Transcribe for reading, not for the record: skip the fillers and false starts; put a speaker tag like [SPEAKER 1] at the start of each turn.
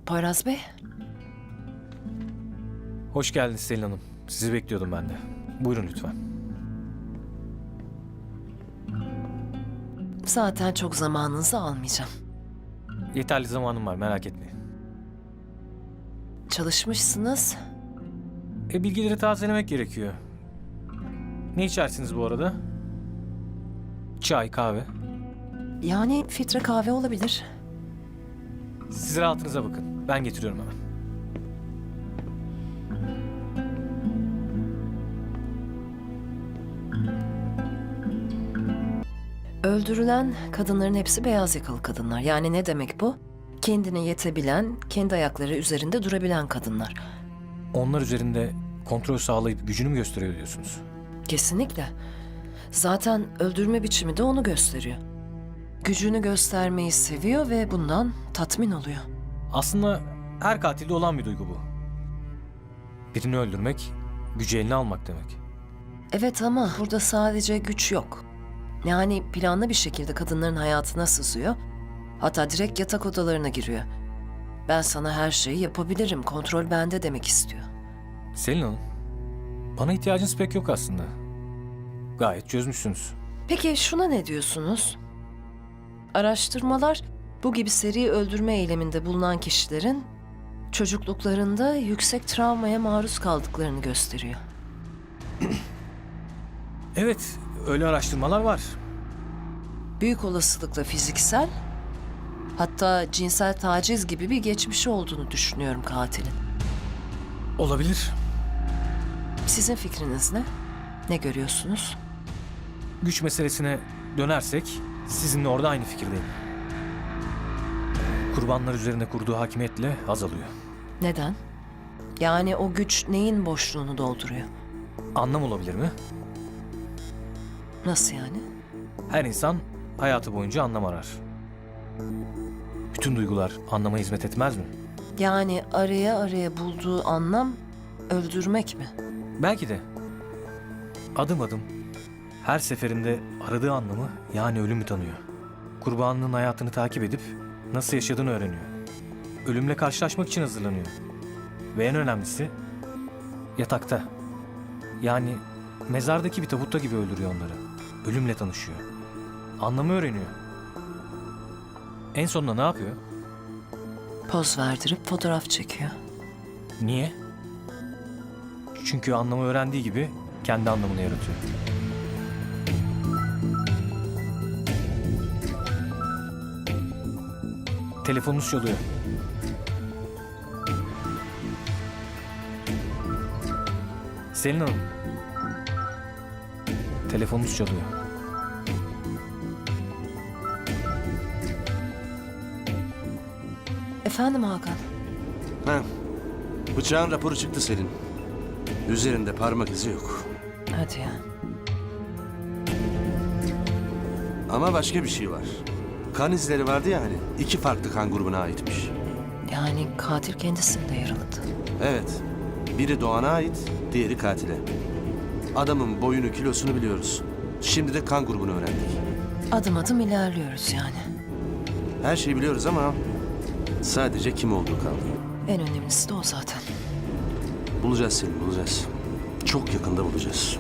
[SPEAKER 1] Poyraz Bey,
[SPEAKER 2] Hoş geldiniz Selin Hanım. Sizi bekliyordum ben de. Buyurun lütfen.
[SPEAKER 1] zaten çok zamanınızı almayacağım.
[SPEAKER 2] Yeterli zamanım var, merak etmeyin.
[SPEAKER 1] Çalışmışsınız.
[SPEAKER 2] Bilgileri tazelemek gerekiyor. Ne içersiniz bu arada? Çay, kahve.
[SPEAKER 1] Yani filtre kahve olabilir.
[SPEAKER 2] Siz rahatınıza bakın. Ben getiriyorum hemen.
[SPEAKER 1] Öldürülen kadınların hepsi beyaz yakalı kadınlar. Yani ne demek bu? Kendine yetebilen, kendi ayakları üzerinde durabilen kadınlar.
[SPEAKER 2] Onlar üzerinde kontrol sağlayıp gücünü mü gösteriyor diyorsunuz?
[SPEAKER 1] Kesinlikle. Zaten öldürme biçimi de onu gösteriyor. Gücünü göstermeyi seviyor ve bundan tatmin oluyor.
[SPEAKER 2] Aslında her katilde olan bir duygu bu. Birini öldürmek, gücü eline almak demek.
[SPEAKER 1] Evet ama burada sadece güç yok. Yani planlı bir şekilde kadınların hayatına sızıyor. Hatta direkt yatak odalarına giriyor. Ben sana her şeyi yapabilirim, kontrol bende demek istiyor.
[SPEAKER 2] Selin Hanım, bana ihtiyacınız pek yok aslında. Gayet çözmüşsünüz.
[SPEAKER 1] Peki şuna ne diyorsunuz? Araştırmalar bu gibi seri öldürme eyleminde bulunan kişilerin çocukluklarında yüksek travmaya maruz kaldıklarını gösteriyor.
[SPEAKER 2] Evet, öyle araştırmalar var.
[SPEAKER 1] Büyük olasılıkla fiziksel, hatta cinsel taciz gibi bir geçmişi olduğunu düşünüyorum katilin.
[SPEAKER 2] Olabilir.
[SPEAKER 1] Sizin fikriniz ne? Ne görüyorsunuz?
[SPEAKER 2] Güç meselesine dönersek sizinle orada aynı fikirdeyim. Kurbanlar üzerine kurduğu hakimiyetle azalıyor.
[SPEAKER 1] Neden? Yani o güç neyin boşluğunu dolduruyor?
[SPEAKER 2] Anlam olabilir mi?
[SPEAKER 1] Nasıl yani?
[SPEAKER 2] Her insan hayatı boyunca anlam arar. Bütün duygular anlama hizmet etmez mi?
[SPEAKER 1] Yani araya araya bulduğu anlam öldürmek mi?
[SPEAKER 2] Belki de. Adım adım her seferinde aradığı anlamı yani ölümü tanıyor. Kurbanının hayatını takip edip nasıl yaşadığını öğreniyor. Ölümle karşılaşmak için hazırlanıyor. Ve en önemlisi yatakta. Yani mezardaki bir tabutta gibi öldürüyor onları. Ölümle tanışıyor. Anlamı öğreniyor. En sonunda ne yapıyor?
[SPEAKER 1] Poz verdirip fotoğraf çekiyor.
[SPEAKER 2] Niye? Çünkü anlamı öğrendiği gibi kendi anlamını yaratıyor. Telefonunuz çalıyor. Selin Hanım. Telefonunuz çalıyor.
[SPEAKER 1] Efendim Hakan?
[SPEAKER 3] Ha, bıçağın raporu çıktı Selin. Üzerinde parmak izi yok.
[SPEAKER 1] Hadi ya.
[SPEAKER 3] Ama başka bir şey var. Kan izleri vardı ya hani, 2 farklı kan grubuna aitmiş.
[SPEAKER 1] Yani katil kendisini de yaraladı.
[SPEAKER 3] Evet, biri Doğan'a ait, diğeri katile. Adamın boyunu, kilosunu biliyoruz. Şimdi de kan grubunu öğrendik.
[SPEAKER 1] Adım adım ilerliyoruz yani.
[SPEAKER 3] Her şeyi biliyoruz ama sadece kim olduğu kaldı.
[SPEAKER 1] En önemlisi de o zaten.
[SPEAKER 3] Bulacağız Selin, bulacağız. Çok yakında bulacağız.